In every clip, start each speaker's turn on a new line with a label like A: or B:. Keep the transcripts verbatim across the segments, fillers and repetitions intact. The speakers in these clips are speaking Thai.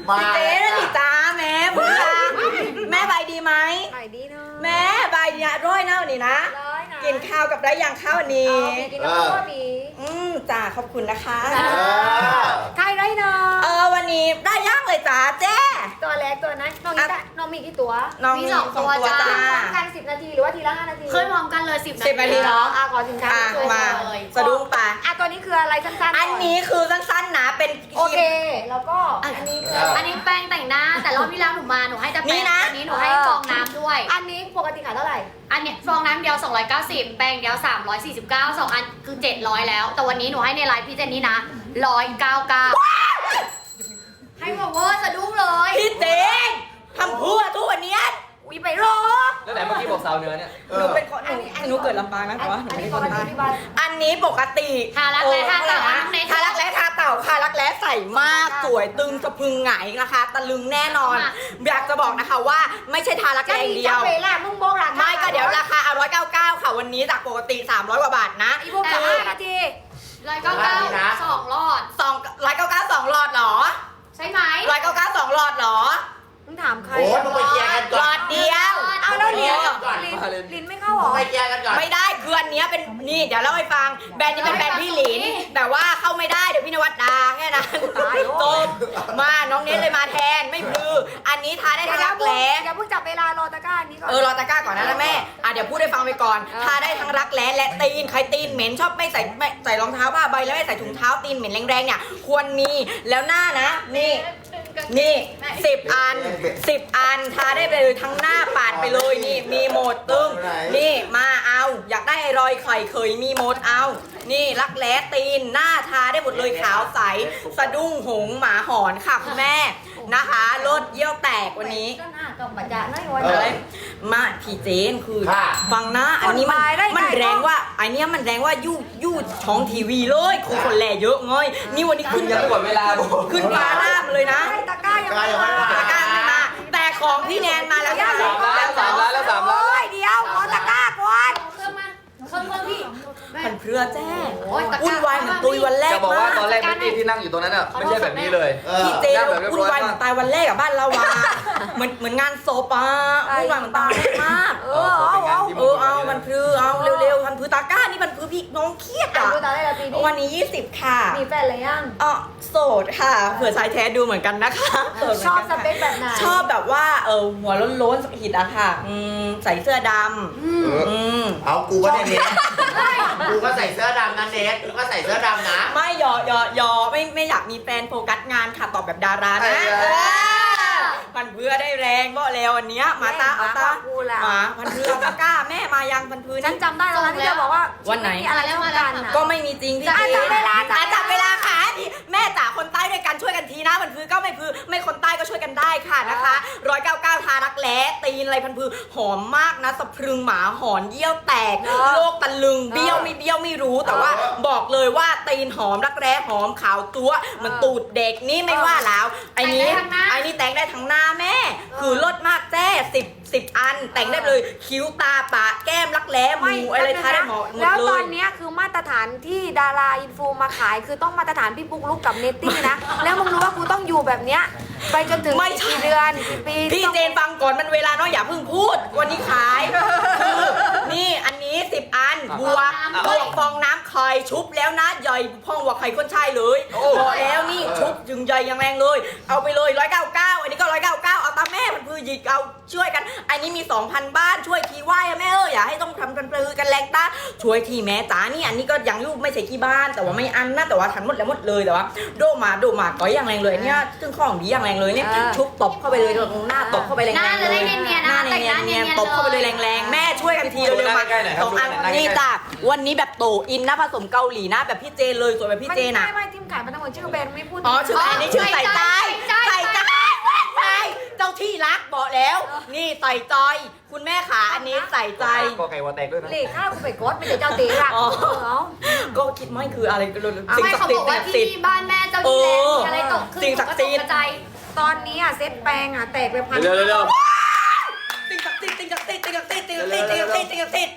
A: พี่เจ๊นะดิจ้าแม่บุญจ้าแม่ใบดีไหม
B: ใบดีเนาะ
A: แม่ใบดีนะร้อยเน่านี่นะ
B: ร้อยนะ
A: กินข้าวกับไรอย่างข้าววันนี้
B: เอากินน้ำข้าวบี
A: อืมจ้าขอบคุณนะคะ
B: ใครได้เนาะ
A: เออวันนี้ได้ย่างเลยจ้าเจ๊
B: ตัวเล็กตัวนั้นน้องนี่ได้น้องมีกี่ตัว
A: น้อง
C: มี
A: มี
C: สองตัวจ้า
A: จ้า
B: พร้อมกันสิบนาทีหรือว่าทีละห้านาที
C: เคยพร้อมกันเลยสิบ
A: สิบนาทีเหรอ
B: อ่ะขอสินค้า
A: อ่ะ
B: ช่วย
A: มา
B: เลย
A: สะดุ้งปะ
B: อ่ะตัวนี้คืออะไรสั้นๆ
A: อันนี้คือสั้นๆนะเป็น
B: โอเค แล้วก็อันนี้คือ
C: อันนี้แป้งแต่งหน้า แต่รอบที่แล้วหนูมาหนูให้แต่
A: นี่
C: แป้ง
A: นะ
C: อันนี้หนูให้ฟองน้ำด้วย
B: อันนี้ปกติขายเท่าไหร่
C: อันเนี้ยฟองน้ำเดียวสองร้อยเก้าสิบแป้งเดียวสามร้อยสี่สิบเก้า สองอันคือเจ็ดร้อยแล้ว แต่วันนี้หนูให้ในไลฟ์พี่เจนนี่นะหนึ่งร้อยเก้าสิบเก้าให้บอกว่าสะดุ้งเลย
A: พี่เจ๊ทำพัวทุกวันเนี้ย
B: อุ้ยไปรอ
D: แล้วไหนเมื่อกี้บอกสาวเหนือเนี่ย
A: หนูเป็นคนหนูหนูเกิดลำปางนะแต่ว่าหนู
B: อัน
A: ไม่
B: นี้
A: ได้
B: ป
A: คน
B: กติ
A: ลำปาง
B: ที่บ้าน
A: อันนี้ปกติ
C: ทารักแร้ทาเต่า
A: โอ้
C: น้องเนท
A: ทารักแร้ทาเต่าค่ะรักแร้ใส่มากสวยตึงสะพรึงหงายนะคะตะลึงแน่นอน อยากจะบอกนะคะว่าไม่ใช่ทารักแร้อย่างเดียว
B: จะเวลามึงบอกราคา
A: ไม่ก็เดี๋ยวราคาเอาร้อยเก้าเก้าค่ะวันนี้จากปกติสามร้อยกว่าบาทนะ
B: อีพวกจะห้านาที
C: ร้อยเก้าเก้าสองรอด
A: สองร้อยเก้าเก้าสองหลอดเหรอ
C: ใช่ไหม
A: ร้อยเก้าเก้าสองหลอดเหรอ
B: มึงถามใคร
E: โอ้ยมึงไปเคลียร์กัน
A: ห
E: ก่
A: ล
E: อ
A: อน ดเดียว
B: เอาแล้วลิ้น
E: ก่อน
B: ลิ้น
D: มาเลย
B: ลิ้นไม่เข้าหร
E: มึ
B: อง
E: ไปเคลียร์กันก่อน
A: ไม่ได้คืออันเนี้ยเป็นนี่เดี๋ยวเล่าให้ฟังแบรนด์นี้เป็นแบรนด์พี่หลินแต่ว่าเข้าไม่ได้เดี๋ยวพี่นวัดดาแค่นั้นจบมาน้องเน้นเลยมาแทนไม่พลืออันนี้ทาได้ทั้งรักแร้
B: อย่าเพิ่งจับเวลารอตะกร้าอันนี้ก่อน
A: เออรอตะกร้าก่อนนะนะแม่อ่ะเดี๋ยวพูดให้ฟังไปก่อนทาได้ทั้งรักแร้และตีนใครตีนเหม็นชอบไม่ใส่ไม่ใส่รองเท้าผ้าใบแล้วไม่ใส่ถุงเท้าตีนเหม็นแรงๆเนี่ยควรมีแล้วหน้านะนี่นี่สิบอันสิบอันทาได้ไปเลยทั้งหน้าปาดไปเลยนี่มีหมดตึ้งนี่มาเอาอยากได้ไอ้รอยไข่เคยมีหมดเอา นี่รักแร้ตีนหน้าทาได้หมดเลยขาวใสสะดุ้งหงหมาหอนค่ะคุณแม่นะคะลดเยี่ยวแตกวันนี้
B: ก็น่าต้องบัจจาน้อยวัน
A: อะไร
B: เลย
A: มาพี่เจนคือ
E: ค่ะ
A: ฟังนะอันนี้มัน
B: คนตายได้
A: มัน
B: ไง
A: แรงว่าไอเนี้ยมันแรงว่ายู่ยู่ช่องทีวีเลยคือคนแลเยอะเงยนี่วันนี้
D: คุ
A: ขึ้
D: ณ
A: น
D: ยังไม่หมดเวลา
A: ขึ้นฟ้าหน้ามาเลยนะ
B: ใช่ตะกร้ายังไม่มา
A: ตะกร้าไม่มาแต่ของพี่แนนมาแล้วค่ะ
D: สามล้านสามล้านแล้วสามล้าน
B: โอ้ยเดี๋ยวขอตะกร้าก่อน
C: เครื่องมาเครื่องเครื่องพี่
A: มันเพื่อแจ้
C: โอ้ยตะกร้า
A: วุ่นวายเหมือนตุยวันแรก
D: จะบอกว่าตอนแรก
A: มา
D: เมื่อกี้ที่นั่งอยู่ตรงนั้นอ่ะไม่ใช่แบบนี้เลย
E: เออ
A: พี่เจน
D: นั่งแบบเรียบ
A: วุ่น
D: ร้อยว
A: ายเหมื
D: มา
A: อก นตายวันแรกกับบ้านเราวาเหมือนเหมือนงานโซปาวุ่นวายเหมือนตายแรกมาก
B: เออเอาเอา
A: เออเอามันพลือเอาเร็วๆมันพลือตาก้านี่มันพลือพี่น้องเครียด
B: อ่ะ
A: อ่ะ
B: ดูตาได้แล้วปีนี้
A: วันนี้ยี่สิบค่ะ
B: มีแฟนหรือยัง
A: อ๋อโสดค่ะเผื่อชายแท้ดูเหมือนกันนะคะโสดเหมื
B: ช
A: น
B: อบ
A: กัน
B: สเปคแบบไหน
A: ชอบแบบว่าเออหัวโล้นๆหิดอะค่ะอืมใส่เสื้อดำ
E: เออ
A: อืม
E: เอากูก็ได้เน็ตกูก็ใส่เสื้อดำนะเน็ตกูก็ใส่เสื้อดำนะ
A: ไม่หยอยอยอไม่ไม่อยากมีแฟนโฟกัสงานค่ะตอบแบบดารานะ
E: เออ
A: เออพันเพื่อได้แรงบ่แล้ววันเนี้ยมาตาเอาตา
B: กูล่ะ
A: มาพันเพื่อตะกล้าแม่มายังพันเพื่อ
B: ฉัน
A: นี่
B: จำได้แล้วนะที่เธอบอกว่า
A: วันไหน
B: มีอะไรแล้วมากันนะ
A: ก็ไม่มีจริงพี่
B: จะ
A: จี
B: จับเวลาจับ
A: อ่ะจับเวลาค่ะพี่แม่จ๋าคนใต้ด้วยกันช่วยกันทีนะพันพือก็ไม่พือไม่คนใต้ก็ช่วยกันได้ค่ะนะคะร้อยเก้าเก้าทารักแร้ตีนอะไรพันพือหอมมากนะสะพรึงหมาหอนเยี่ยวแตกโลกตะลึงเบี้ยวไม่เบี้ยวไม่รู้แต่ว่าบอกเลยว่าตีนหอมรักแร้หอมขาวจั๊วเหมันตูดเด็กนี่ไม่ว่าแล้วไอ้นี้ไอ้นี่แต่งได้ทั้งหน้าแม่ คือลดมากแจ้สิบสิบอันแต่งได้เลยคิ้วตาปากแก้มรักแร้หมูอะไรทาได้หมดหมด
B: แล้ว
A: เล
B: ตอย นเนี้ยคือมาตรฐานที่ดาราอินฟูมาขายคือต้องมาตรฐานพี่ปุ๊กลุกกับเนตตี้นะ แล้วมึงรู้ว่ากูต้องอยู่แบบเนี้ยไปจนถึง
A: ไม่ใช่
B: กี่เดือนกี่ปี
A: พี่เจนฟังก่อนมันเวลาน้อยอย่าเพิ่งพูดวันนี้ขายคือนี่อันนี้สิบอันบวกบวกฟองน้ำไข่ชุบแล้วนะใหญ่พ่องกว่าไข่คนชายเลยบอกแล้วนี่ชุบจึงใหญ่ยังแรงเลย เอาไปเลยร้อยเก้าเก้าอันนี้ก็ร้อยเก้าเก้าเอาตามแม่มันพือหยิกเอาช่วยกัน อันนี้มีสองพันบ้านช่วยทีไหว้อะแม่เอออย่าให้ต้องทำกันปลือกันแรงตาช่วยทีแม่จ๋านี่อันนี้ก็ยังรูปไม่ใช่กี่บ้านแต่ว่าไม่อันนะแต่ว่าทันหมดแล้วหมดเลยแต่ว่าโดมาโดมาก็ยังแรงเลยเนี่ยซึ่งของดีอย่างแรงเลยเนี่ยชุบตบเข้าไปเลยตรงหน้าตบเข้าไปแรง
C: หน้า
A: ๆ
C: จะ
A: เล
C: ได้
A: ย
C: เนียนๆ
A: ห
C: นะ
A: น้า
C: แต่งหน้า
A: เนี
C: เนี
A: ย
C: ย
A: น
C: น
A: ๆ
C: ๆ
A: ตบเข้าไปเลย
C: เลย
A: แรงๆแม่ช่วยกันทีเร็วๆมาสองอันนี่จ้ะวันนี้แบบโตอินนะผสมเกาหลีนะแบบพี่เจนเลยสวยแบบพี่เจน
B: ไม่
A: อ่ะ
B: ไม่ไม่ทีมขายมันทั้งหมดชื่อแบรนด์ไม่พูด
A: อ๋อชื่ออันนี้ชื่อใส่ใจใส่ใจใส่เจ้าที่รักบอกแล้ว นี่ใส่ใจคุณแม่ขาอันนี้ใส่ใจ
D: กอไก่วอแตกด้วยนะ
B: เหล็กข้าวกูไปกดไม่ได้เจ้าตีรัก
A: อ๋อ
B: เออเอา
A: ก็คิดไม่คืออะไรก็เลยสิ่ง
C: ไม่
A: ศัก
C: เขา
A: ดิ์สิ
C: บ
A: ท
C: อก
A: ธิ์
C: ว่า
A: สิ่งศักดิ์สิ
C: ที่
A: ทธิ์
C: บ้านแม่เจ้าที่แรงมีอะไรตกขึ้น
A: สิ่งศักดิ์สิทธิ์
C: กระจาย
B: ตอนนี้อ่ะเซ็ตแปลงอ่ะแตกไปพัน
D: เร็วเร็ว
A: สิ่งศักดิ์สิทธิ์สิ่งศักดิ์สิทธิ์สิ่งศักดิ์สิทธิ์สิ่งศักดิ์สิทธิ์สิ่งศักดิ์สิทธิ์สิ่งศักดิ์สิทธิ์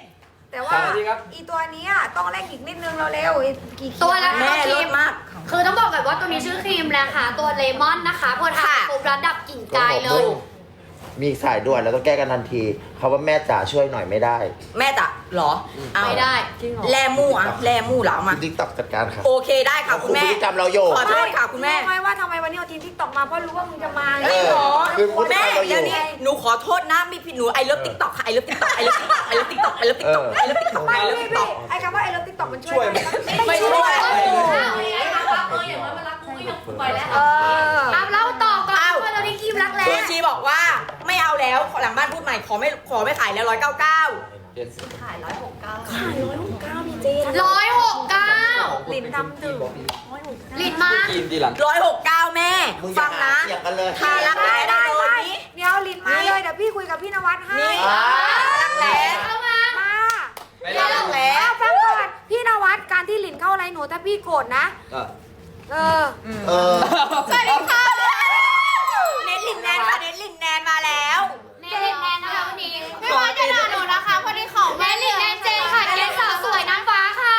B: แต่ว่า
D: สามนาทีครับ
B: อีตัวเนี้ยต้องเร่งอีกนิดนึงเร็วๆอีกกี่
C: ตัวละ
A: แม่รสมาก
C: คือต้องบอกก่อนว่าตัวนี้ชื่อครีมนะคะตัวเลมอนนะคะพอทา
A: ค่ะ
C: ปุ๊บระดับกลิ่นกายเลย
E: มีสายด่วนแล้วต้องแก้กันทันทีเขาว่าแม่จ๋าช่วยหน่อยไม่ได้
A: แม่จะเหรอเอา
C: ไม่ได้
B: จริงเหรอ
A: แลมู่อะแลมู่เหรอมา
E: ติ๊กต็อกจัดการค่ะ
A: โอเคได้ค่ะคุณแม่
E: พฤติกรรมเราโยก
A: ขอโทษค่ะคุณแม่
B: รู้ไหมว่าทำไมวันนี้เอาทีมทิกตอกมาเพราะรู้ว่ามึงจะมาไง
E: เออ
A: หรอ
E: คือพูด
A: แม่
E: เราอยู่
A: เดี๋ยวนี้หนูขอโทษนะไม่ผิดหนูไอเลิฟติ๊กต็อกค่ะไอเลิฟติ๊กต็อกไอเลิฟติ๊กต็อกไอเลิฟติ๊กต็อกไอเลิฟติ๊กต็อกไอเลิฟติ๊กต็อก
B: ไม่
A: ไอเลิฟ
B: พี่
A: ติ๊กต็
B: พี่
A: อก
B: ไอ้คำว่าไอ้เลิฟติ๊กต็อกมันช่วย
D: ช่วย
B: ไหม
A: ไม่ช่วย
B: เออ
C: เอาเล่าต่อก่อน
A: อ้าว
C: ว่าเราได้ครีมรักแร้
A: คือชีบอกว่าไม่เอาแล้วหลังบ้านพูดใหม่ขอไม่ขอไม่ขายแล้วร้อยเก้าเก้า
B: ขายร้อยหกเก้าพี่เจน
C: ร้อยหกเก้า
B: ลิ้นดำดื่ม
C: ลิตรมา
D: กินทีหลัง
A: ร้อยหกเก้าแม่
E: มึงอย่า
A: ฟังนะ
E: หาเสียงกันเลย
A: ทารักแร้ได้เลย
B: เดี๋ยวลิ้นมาเลยเดี๋ยวพี่คุยกับพี่นวัดให้
A: นี่
E: อ่า
A: รักแร้
C: เข้ามา
B: มา
D: ไม่
A: รั
D: ได้
A: กแร้
B: แล้วฟังก่อนพี่นวัดการที่ลิ้นเข้าอะไรหนูถ้าพี่โกรธนะ
D: อ่ะ
B: เออ
E: เออ
A: สวัสดีค่ะเน้นลินแนนค่ะเน้นลินแนนมาแล้ว
C: แน่แน่นะคะวันนี้ไม่ว่าจะด่าหนูนะคะพอดีของแม่ลินแน่เจนค่ะเจนสาวสวยนางฟ้าค่ะ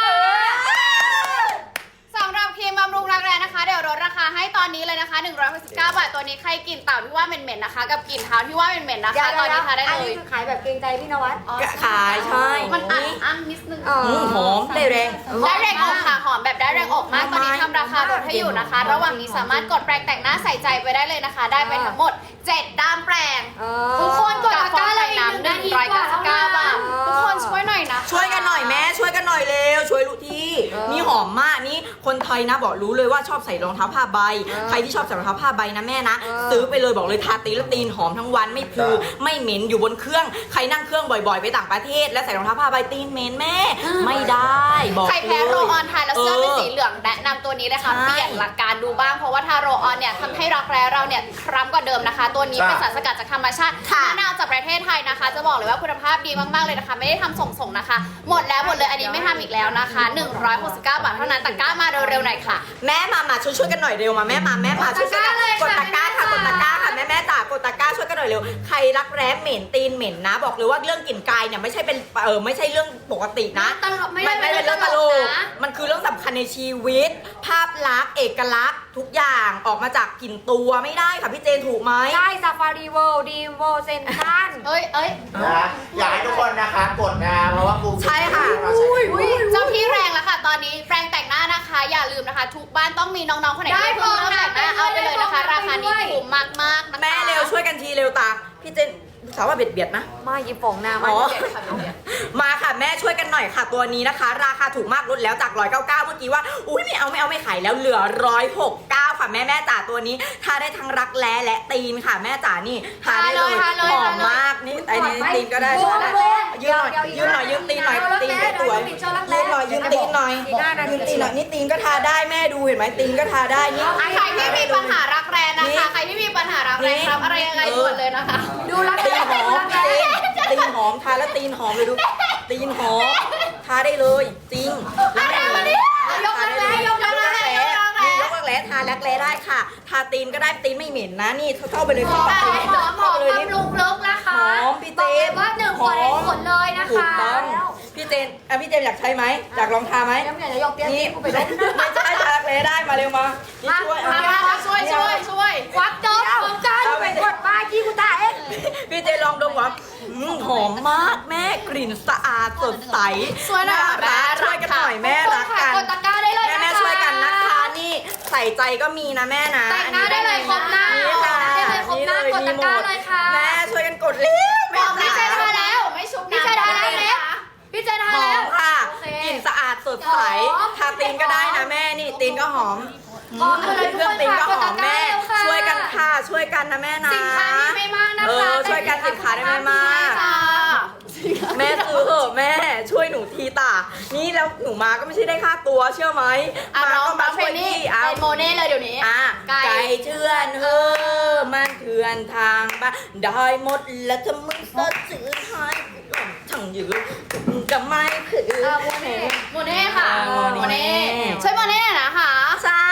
C: สำหรับครีมบำรุงรักแร้นะคะ เดี๋ยวลดราคาให้ตอนนี้เลยนะคะหนึ่งร้อยหกสิบเก้าบาทตัวนี้ใครกลิ่นเต่าที่ว่าเหม็นๆนะคะ กับกลิ่นเท้าที่ว่าเหม็นๆนะคะตอนนี้ทาได้
B: อัน
C: เล
B: นี้
C: ย
B: คือขายแบบเกรงใจพี่นวัด
A: ขายใช่
C: มันอันอันนิดนึง
B: เออ
A: อืมหอมได้แรง
C: ได้แรงออกค่ะหอมแบบได้แรงออกมากตอนนี้ทำราคาลดให้อยู่นะคะ ระหว่างนี้สามารถกดแปรงแต่งหน้าใส่ใจไปได้เลยนะคะ ได้ไปทั้งหมดเจ็ดด้ามแปรง
B: เอ
C: ทุก
B: อ
C: คนกดตะกร้าเลยน้ำหนึ่งร้อยเก้าสิบเก้าบาททุกคนช่วยหน่อยนะ
A: ช่วยกันหน่อยแม่ช่วยกันหน่อยเร็วช่วยลูกที่
B: เออ
A: นี่หอมมากนี่คนไทยนะบอกรู้เลยว่าชอบใส่รองเท้าผ้าใบ
B: เออ
A: ใครที่ชอบใส่รองเท้าผ้าใบนะแม่นะ
B: เออ
A: ซื้อไปเลยบอกเลยทาตีนแล้วตีนหอมทั้งวันไม่พูไม่เหม็นอยู่บนเครื่องใครนั่งเครื่องบ่อยๆ ไปต่างประเทศ แล้วใส่รองเท้าผ้าใบตีนเหม็นแม่ ไม่ได้บอก
C: ใครแพ้โรลออนทานแล้วเสื้อเป็น
A: เออ
C: สีเหลืองแนะนำตัวนี้เลยค่ะ
A: ใช่
C: เปลี่ยนหลักการดูบ้างเพราะว่าทาโรลออนเนี่ยทำให้รักแร้เราเนี่ยคล้ำกว่าเดิมนะคะ ตัวนี้เป็นสารสกัดจากธรรมชาติ
A: ค่ะ
C: มะนาวจากประเทศไทยนะคะ จะบอกเลยว่าคุณภาพดีมากๆเลยนะคะ ไม่ได้ทำส่งๆนะคะ หมดแล้วหมดเลยอันนี้ไม่ทำอีกแล้วนะคะหนึ่งร้อยหกสิบเก้าบาทเท่านั้นตะกร้ามาเร็วๆหน่อยค่ะ
A: แม่มามาช่วยช่วยกันหน่อยเร็วมาแม่มาแม่มาช่วยกันหน่อยก
C: ก
A: ด
C: ด
A: ตะ
C: ตะ
A: ก
C: ก
A: ร้า
C: ร้า
A: ค่ะ
C: เลย
A: กดตะกร้าค่ะแม่แม่จ๋ากดตะกร้าช่วยกันหน่อยเร็วใครรักแร้เหม็นตีนเหม็นนะ บอกเลยว่าเรื่องกลิ่นกายเนี่ยไม่ใช่เป็นเออไม่ใช่เรื่องปกตินะ
C: ตลกไม่ได้
A: ไม่เป็นเรื่องตลก
C: นะ
A: มันคือเรื่องสำคัญในชีวิต ภาพลักษณ์เอกลักษณ์ทุกอย่างออกมาจากกลิ่นตัวไม่ได้ค่ะพี่เจนถูกไหม
B: ใช่ซาฟารีเวิลด์ดีมเวิลด์เซนทัน
C: เอ้ยเอ้ย
E: นะอยากให้ทุกคนนะคะกดนะเพราะว่าบูม
A: ใช่ค่ะ
E: เราใช้
C: อุ๊ยเจ้าที่แรงแล้วค่ะ ตอนนี้แปรงแต่งหน้านะคะ อย่าลืมนะคะ ทุกบ้านต้องมีน้องๆคนไหนที่เพิ่งเริ่มแต่งหน้าเอาไปเลยนะคะ ราคานี้ถูกมากๆนะคะ
A: แม่เร็วช่วยกันทีเร็วตาพี่เจนสาวว่าเบียดเบียดนะ
B: มาหยิบฝงหน้ามา
A: อ๋อ
B: เดี๋ยวค่ะเดี๋ยว
A: มาค่ะแม่ช่วยกันหน่อยค่ะตัวนี้นะคะ ราคาถูกมากลดแล้วจากหนึ่งร้อยเก้าสิบเก้าเมื่อกี้ว่าอุ้ยไม่เอาไม่เอาไม่ขายแล้วเหลือหนึ่งร้อยหกสิบเก้าค่ะแม่แม่จ๋าตัวนี้ทาได้ทั้งรักแร้และตีนค่ะแม่จ๋านี่ทาได้เลย
C: ทาเลย
A: หอม
C: ทาเลย
A: มากนี่ไอ้นี่ตีนก็ได้
B: โบ๊ะ
A: ใช่ไหม
B: โบ๊ะ
A: ยืนหน่อยยืนหน่อยยืนตีนหน่อยตีนสวยยืนหน่อยยืนตีนหน่อยยืนตีนหน่อยนี่ตีนก็ทาได้แม่ดูเห็นไหมตีนก็ทาได้นี่
C: ใครที่มีปัญหารักแร้นะคะ ใครที่มีปัญหารักแร้ครับอะไรยังไงด่วนเลยนะคะ
B: ดูรัก
A: ตี
B: แร้
A: นหอ
B: ดู
A: ม
B: รักแร้
A: ตีนหอมทาแล้วตีนหอมเลยดูตีนหอมทาได้เลยจริง
C: อะไรมาดิยกรักแร้ยกรักแร้ยกรักแร้
A: ยกรักแร้ทารักแร้ได้ค่ะ ทาตีนก็ได้ตีนไม่เหม็นนะนี่เข้าไปเลย
C: หอ
A: เข้าม ไป
C: หอมหอมบำรุงลึกนะคะ
A: หอมพี่เจ
C: บอกเลย
A: น
C: ว่าหนึ่งขวดเห็นผลเลยนะ
A: ถูก
C: คะ
A: ต้องพี่เจนอ่ะพี่เจนอยากใช้ไหมอยากลองทาไหม
B: แล้วเนี่ยจะยกเตี้ย
A: นี่
B: นี่กูไปลบ
A: ไม่ใช่ทารักแร้ได้มาเร็วมานี่ช่วย
C: มา
A: เอา
C: มาช่วยช่วยช่วยควักจบควักจบ
B: เอาไปกดป้ายที่กูตาเอง
A: พี่เจนลองดมก่อนอืมหอมมากแม่กลิ่นสะอาดสดใส
C: ช่วยหน่อย
A: น่า
C: ค่ะ
A: รักช่วยกันหน่อยแม่รักกัน
C: กดตะกร้าได้เลย
A: แม่
C: นะคะ
A: แม่ช่วยกันนะคะนี่ใส่ใจก็มีนะแม่นะ
C: แต่งหน้าได้เลยครบหน้า
A: นี่ค่ะ
C: ได้เลยครบหน้ากดตะกร้าเลยค่ะ
A: แม่ช่วยกันกดเร็ว
C: บ
A: แม่
C: อกพี่เจนทาแล้วไม่ชุบพี่เจนทาแล้วเล็กพี่เจนทา
A: หอ
C: แล้ว
A: มค่ะ
C: โอเค
A: กลิ่นสะอาดสดใส
C: หอม
A: ทาตีนก็ได้นะแม่นี่ตีนก็หอม
C: หอมเลยทุก
A: เครื่
C: ค
A: อง
C: น
A: ตีนก็
C: ค่ะ
A: หอมแม่
C: กดตะกร้าเร็วค่ะ
A: ช่วยกันค่ะช่วยกันนะแม่นะ
C: สินค้ามีไม่มากนะคะ
A: เออช่วยกันสินค้าได้ไม่มาก
C: ค่ะ
A: แม่ซื้อเถอะแม่ช่วยหนูทีตานี่แล้วหนูมาก็ไม่ใช่ได้ค่าตัวเชื่อไหม
C: อ่ะ
A: มา
C: น้อง
A: ก็
C: น้
A: มา
C: องเพ
A: ช่วย
C: นนี่
A: พี่เอา
C: เป็นโมเน่เลยเดี๋ยวนี้
A: อ่ะ
C: ไก่
A: ไก่เชื่อนเฮอมันเถื่อนทางบ้านได้หมดแล้วถ้ามึงสดซื้อให้ทั้งยืนก็ไม่คือ
C: อ่ะโมเน่โมเน่ค่ะ
A: อ่าโมเน่
C: ช่วยโมเน่หน่อยนะคะ
A: ใช่ค่ะแม่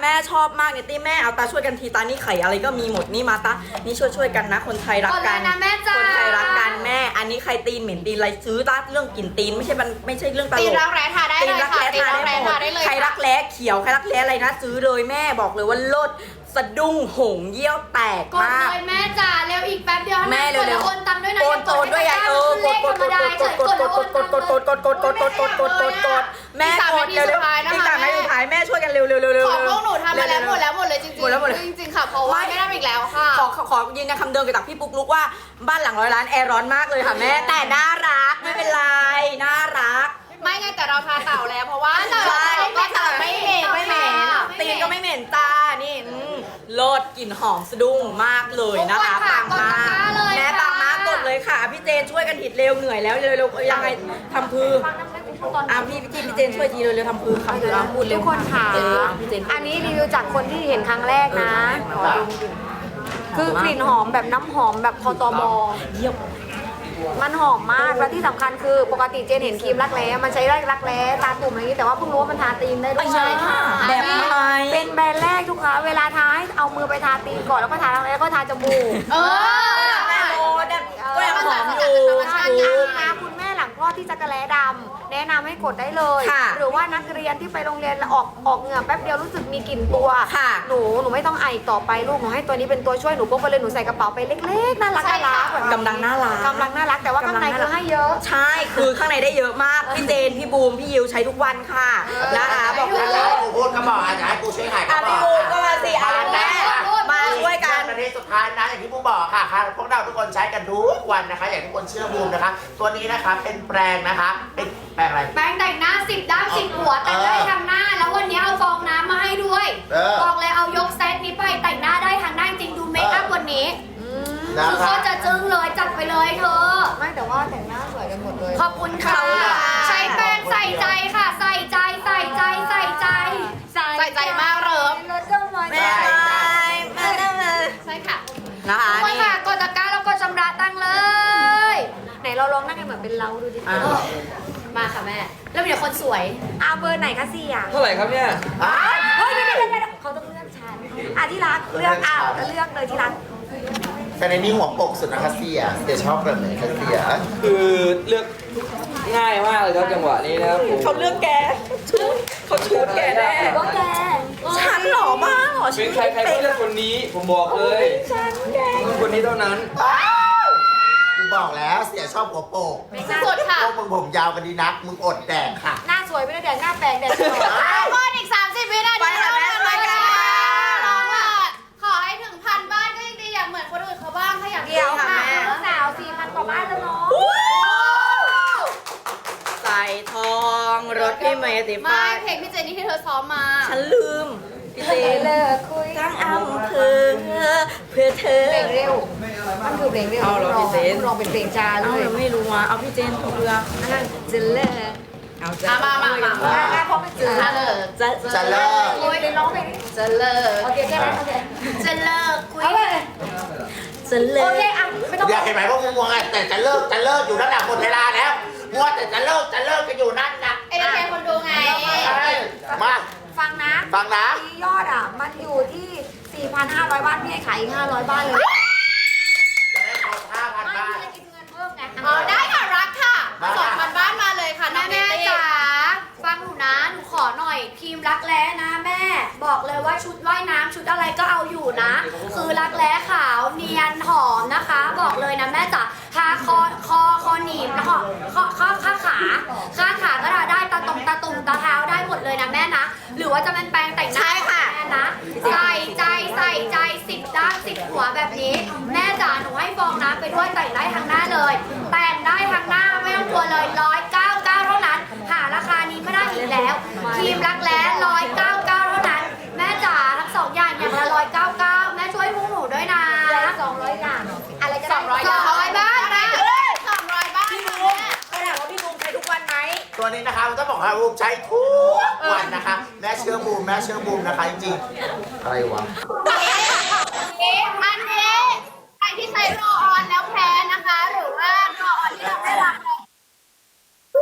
A: ม่ชอบมากเนี่ยตี้แม่เอาตาช่วยกันทีตานี่ไข่อะไรก็มีหมดนี่มาตานี่ช่วยช่วยๆกันนะ คนไทยรัก
C: กด
A: กั
C: เล
A: น
C: ยนะแม่จ๋า
A: คนไทยรักกันแม่ อันนี้ใครตีนเหม็นตีนอะไรซื้อตาเรื่องกลิ่นตีนไม่ใช่มันไม่ใช่เรื่องตล
C: ตีน
A: ก
C: รักแร้ทาได้
A: ตี
C: เล
A: น
C: ย
A: รัก
C: ค่ะ
A: แร้
C: ตีน
A: ทา
C: รัก
A: ได้
C: แร้
A: หม
C: ทา
A: ด
C: ได้เลย
A: ใครรักแร้เขียวใครรักแร้อะไรนะซื้อเลยแม่บอกเลยว่าเลิศสะดุ้งหงเยี่ยวแตก
C: กด
A: มาก
C: เลยแม่จ๋าเร็วอีกแป๊บเดียว
A: แม่เร็วๆ
C: กดแล้วโอนตังค์ด้วยนะ
A: โอนโอนด้วยไงเออกดกดกดกดกดกดกดกดกดกดกดกดกดกดกดกดกดกดกดแม่กดเร็วเร็วอีกสามนาทีสุดท้ายแม่ช่วยกันเร็วเร็วเร็วเร็ว
C: ของพวกหนูทำมาแล้วหมดแล้วหมดเลยจริงๆ
A: หมดแล้วหมดเลย
C: จริงๆค่ะเพราะว่าไม่ได้อีกแล้วค่ะ
A: ขอขอขอยืนยันคำเดิมกับพี่ปุ๊กลุกว่าบ้านหลังร้อยล้านแอร์ร้อนมากเลยค่ะแม่แต่น่ารักไม่เป็นไรน่ารัก
C: ไม่ไงแต่เราทาเต่าแล้วเพราะว่า
A: ใช่ก็
C: เต่า
A: แต่ไม่เหม็นไม่เหม็นตีนก็ไม่เหม็นจ้านี่อืมโลดกลิ่นหอมสะดุ้งมากเลยนะคะปังมากแม่ปังมากกดเลยค่ะพี่เจนช่วยกันหิดเร็วเหนื่อยแล้วเร็วๆยังไงทำพือ
B: ฟังน้ำได้คุณตอน
A: อ่ะพี่พี่พี่เจนช่วยทีเร็วๆทำพือคำพืออ่ะพูดเร็ว
B: ทุกคนค่ะ
A: เออพี่เจน
B: อันนี้รีวิวจากคนที่เห็นครั้งแรกนะ
A: เออ
B: ขอดมกลิ่นคือกลิ่นหอมแบบน้ำหอมแบบคอตบ
A: เยี่ยม
B: มันหอมมากและที่สำคัญคือปกติเจนเห็นครีมรักแร้มันใช้รักแร้ตาตุ่มอะไรอย่างนี้แต่ว่าเพิ่งรู้ว่ามันทาตีนได้ด้วย
A: ใช่ค่ะแบบไหน
B: เป็นแบรนด์แรกทุกค้าเวลาทาให้เอามือไปทาตีนก่อนแล้วก็ทารักแร้แล้วก็ทาจมูก
C: เออ
A: แม่โมแบบก็ยังหอมอยู่
B: ใช่
A: ถูก
B: นะคุณแม่หลังคลอดที่จักรแร้ดำแนะนำให้กดได้เลย
A: ค่ะ
B: หรือว่านักเรียนที่ไปโรงเรียนแล้วออกออกเหงื่อแป๊บเดียวรู้สึกมีกลิ่นตัว
A: ค่ะ
B: หนูหนูไม่ต้องไออีกต่อไปลูกหนูให้ตัวนี้เป็นตัวช่วยหนูพกไปเลยหนูใส่กระเป๋าไปเล็กๆน่ารัก
C: ใช่
B: น่า
C: ค่ะ
B: รักแบบ
A: กำลังน่ารัก
B: กำลังน่ารักแต่ว่าข้างในคือให้เยอะ
A: ใช่คือข้างในได้เยอะมากพี่เจนพี่บูมพี่ยิวใช้ทุกวันค่ะนะคะบอกเล
E: แล้ว
A: ย
E: ให้กูพูดก็บอกอาจจะให้กูช่วยขายก็
A: อ่ะ
E: บ
A: พี่
E: อก
A: บูมก็มาสิอ่ะแม่มาช่วยกัน
E: ประเทศสุดท้ายนะอย่างที่บูมบอกค่ะค่ะพวกเราทุกคนใช้กันทุกวันนะคะ อย่างที่ทุกคนเชื่อบูมนะคะ ตัวนี้นะคะเป็นแปรงนะคะเป็นแปรงอะไร
C: แป้งแต่งหน้าสิบด้ามสิบหัวแต่งได้ทางหน้า แล้ววันนี้เอาฟองน้ำมาให้ด้วย
E: เออ
C: บอกเลยเอายกเซตนี้ไปแต่งหน้าได้ทางหน้าจริงดูเมคอัพวันนี้
E: นะ
C: คือ
E: คะ
C: เขาจะจึ้งเลยจัดไปเลยเธอ
B: ไม่แต่ว่าแต่งหน้าสวยกันหมดเลย
C: ขอบคุณค่ะ ใช้แป้งใส่ใจค่ะ ใส่ใจใส่ใจใส่ใจ ใส่ใจมากเริม
A: แม่ไแม่ได้เลย
C: ใช่ค่ะ
A: นะคะ
C: ทุกคน
A: นี่
C: ค่ะกดตะกร้าแล้วกดชำระตังค์เลย
B: ไหนเราลองนั่งกันเหมือนเป็นเราดูดิ
A: อ่ะ
C: มาค่ะแม่ แล้วมีแต่คนสวย
B: อาเบอร์ไหนคะเสี่ย
D: เท่าไหร่ครับเนี่ย
E: อ่ะ
B: เฮ้ยเดี๋ยวเดี๋ยวเดี๋ยวเขาต้องเลือกฉันอ่ะที่รักเลือกอ่ะเลือกเลยที่รัก
E: แต่ในนี้หัวปกสุดนะคะเสียเสียชอบแบบไหนคะเสีย
D: คือเลือกง่ายมากเลยครับจังหวะนี้นะครับผม
A: เขาเลือกแกชุดเขาชุดแกแน่
B: ว่าแก
A: ฉันหล่อมากเหรอ
D: เป็นใครใครก็เลือกคนนี้ผมบอกเลย
A: ฉันแก
D: ต้องคนนี้เท่านั้น
E: กูบอกแล้วเสียชอบหัวโปก
C: สุดๆค่ะ
E: พวกมึงผมยาวกันดีนัก มึงอดแดกค่ะ
B: หน้าสวยไม่ได้แดงหน้าแปลงแดงสวย
C: พออีกสามสิบวินาที
A: ไปค่ะแม่ไปกันค่ะ
C: น้องอ่ะขอให้ถึงพันบ้านก็ยังดีอยากเหมือนคนอื่นเขาบ้างถ้าอยาก
B: เดี๋ยว
C: ค่ะ
B: ค่ะลูกสาวสี่พันกว่าบ้านแล้วเนาะ
A: ใส่ทองรถพี่เมย์ติ
C: ไม่
A: ฟ้า
C: เพลงพี่เจนนี่ที่เธอซ้อมมา
A: ฉันลืมพี่เจน
B: เลิกคุย
A: ทั้งอำเภอเพื่อเธอ
B: เพลงเร็ว มันคือเพลงเร็ว
A: เอาเหรอพี่เจน
B: ร้องเป็นเพลงจ้าเล
A: เอา
B: ย
A: เราไม่รู้อ่ะเอาพี่เจนถูกเรือ
B: นั่นจะเลิก
A: เอาจะ
C: อ่ะมามามามา
B: อ่ะพอไม่เจอ
C: จะเลิก
A: จะ
E: จะเลิก
B: โอ้ยไปร้องเพลงนี้
C: จะเลิก
B: โอเคใช่ไหมโอเค
C: จะเลิกคุย
B: เอาเลย
A: จะเลิ
B: โอก เคอ่ะไม่ต้อง
E: เดี๋ยวเห็นไหมพวกมึงมัวไงแต่จะเลิกจะเลิกอยู่นั่นแหละหมดเวลาแล้วมัวแต่จะเลิกจะเลิกกันอยู่นั่นนะ
C: เอ็นเตอร์เทนคนดูไง
E: ใช่มา
B: ฟังนะ
E: ฟังนะ
B: ที่ยอดอ่ะ มันอยู่ที่ สี่พันห้าร้อย บ้าน พี่ให้ขายอีกห้าร้อยบ้านเลย
E: จะได้ครบห้าพัน
B: ไม่
E: บาท
B: พี่จะกินเงินเพิ่มไง
C: อ๋อได้ค่ะรักค่ะ
E: มา
C: สองพันบ้านมาเลยค่ะน้
B: แม่
C: อง
B: แม่
C: แม่
B: จ๋า
C: จ๋าฟังหนูนะหนูขอหน่อยครีมรักแร้นะแม่ บอกเลยว่าชุดว่ายน้ำชุดอะไรก็เอาอยู่นะ คือรักแร้ขาวเนียนหอมนะคะ บอกเลยนะแม่จ๋าทาคอคอคอหนีบแล้วก็ข้อข้อข้าขาข้าขาก็ทาได้ตาตรงตาตุ่มตาเท้าได้หมดเลยนะแม่นะ หรือว่าจะเป็นแปรงแต่งหน้า
A: ใช่ค่ะ
C: แม่นะใส่ใจใส่ใจสิบด้านสิบหัวแบบนี้ แม่จ๋าหนูให้ฟองน้ำไปด้วยแต่งได้ทั้งหน้าเลย แต่งได้ทั้งหน้าไม่ต้องกลัวเลยร้อยเก้าเก้าเท่านั้น หาราคานี้ไม่ได้อีกแล้วครีมรักแร้ร้อยเก้าเก้าเท่านั้น แม่จ๋าทั้งสองอย่างอย่างละร้อยเก้าเก้าแม่ช่วยพวกหนูด้วยนะ
B: สองร้อยอย่างอะไรก็ได้
C: สองร้อยบ้านนะสองร้อยบ้าน
A: พี่
C: นะ
A: บูมเขาถามว่าพี่บูมใช้ทุกวันไหม
E: ตัวนี้นะคะมันต้องบอกว่าบูมใช้ทุกวันนะคะ แม่เชื่อบูมแม่เชื่อบูมนะคะจริงๆอะไรวะ
C: อันนี้ใครที่ใช้รอออนแล้วแพ้นะคะ หรือว่ารอออนที่เราไม่รับเลย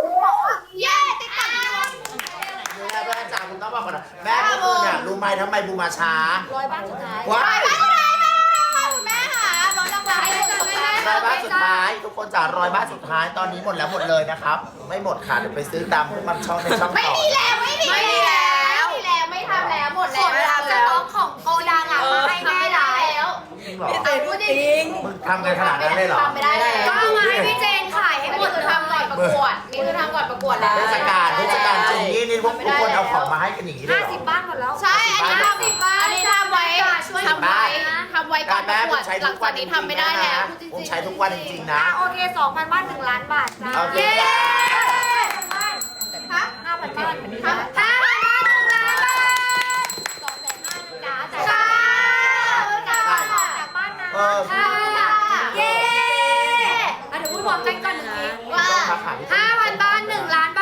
C: เย้ติ๊กต๊อก
E: แม่แม่จ๋าคุณต้องบอกก่อนนะแม่เมื่อคืนเนี่ยรู้ไหมทำไมบูมมาช้า
B: ร้อยบ้านสุดท้าย
E: ว้าย
C: คุณแม่ค่ะรถรางวัลให้เลยแม่
E: ร้อยบ้านสุดท้าย ทุกคนจ๋าร้อยบ้านสุดท้ายตอนนี้หมดแล้วหมดเลยนะครับ ไม่หมดค่ะเดี๋ยวไปซื้อตามพวกมันช่องในช่อง
C: ไม่
E: ต่อ
C: มีแล้วไม่มีแล้วไม่มีแล้วไม่ทำแล้วหมดแล้ว
A: ไม่ทำแล้ว
C: สต็อกของโกดังอ่ะมาให้แม่ได้แล้ว
E: จริงเหรอ
A: พี่เตยพูดจริง
E: มึงทำกันขนาดนั้นเลยเหรอ
C: ทำไม่ได้แล้วก็เอามาให้พี่เจนขายให้หมดเลยทำก่อนประกวดนี่คือทำก่อนประกวดแล้ว
E: เทศกาลเทศกาลจริงนี่นี่พวกทุกคนเอาของมาให้กันอย่างนี้เลย
B: ห้า
E: เหรอ
B: สิบบ้านหมดแล้ว
C: ใช่ อันนี้ทำสิบบ้านอันนี้ทำไว้ช่วยทำไว้ทำไว้ก่อนประกวดหลังจากนี้ทำไม่ได้แล้ว
E: ผมใช้ทุกวันจริงๆนะ
B: อ่ะโอเคสองพันบ้านหนึ่งล้านบาทจ้า
E: โอเค
C: เย้
B: ฮะห้าพันบ้าน
C: ทำห้าพันบาทหนึ่งล้านบาท
B: สองแสนห้าจ้าแต่
C: ค่ะ
B: จากบ้านนะ
E: เออ
C: ค่ะเย้อ่ะเดี๋ยวพูดพร้อมกันก่อนหนึ่งทีว่า
E: ต้องทักหาพี่
C: ห้าพันบ้านหนึ่งล้าน